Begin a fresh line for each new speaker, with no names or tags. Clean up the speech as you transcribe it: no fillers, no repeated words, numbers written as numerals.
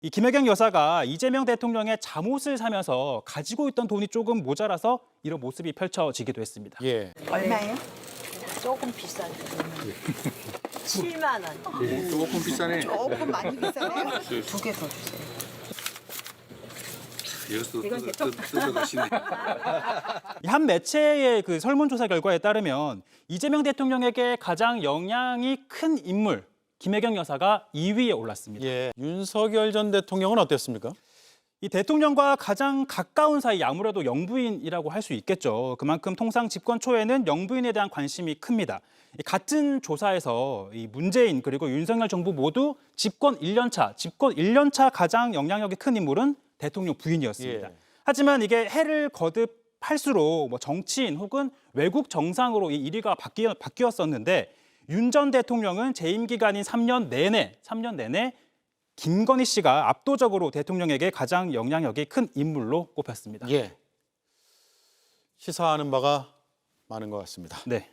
이 김혜경 여사가 이재명 대통령의 잠옷을 사면서 가지고 있던 돈이 조금 모자라서 이런 모습이 펼쳐지기도 했습니다.
예.
얼마예요?
조금 비싸죠. 7만 원.
조금 비싸네.
조금 많이 비싸네요.
두 개 더 주세요.
여기서 뜯어가시네.
이 한 매체의 그 설문조사 결과에 따르면 이재명 대통령에게 가장 영향이 큰 인물 김혜경 여사가 2위에 올랐습니다.
예. 윤석열 전 대통령은 어땠습니까?
이 대통령과 가장 가까운 사이 아무래도 영부인이라고 할 수 있겠죠. 그만큼 통상 집권 초에는 영부인에 대한 관심이 큽니다. 같은 조사에서 이 문재인 그리고 윤석열 정부 모두 집권 1년 차 가장 영향력이 큰 인물은 대통령 부인이었습니다.
예.
하지만 이게 해를 거듭할수록 뭐 정치인 혹은 외국 정상으로 이 1위가 바뀌었었는데 윤 전 대통령은 재임 기간인 3년 내내 김건희 씨가 압도적으로 대통령에게 가장 영향력이 큰 인물로 꼽혔습니다.
예. 시사하는 바가 많은 것 같습니다.
네.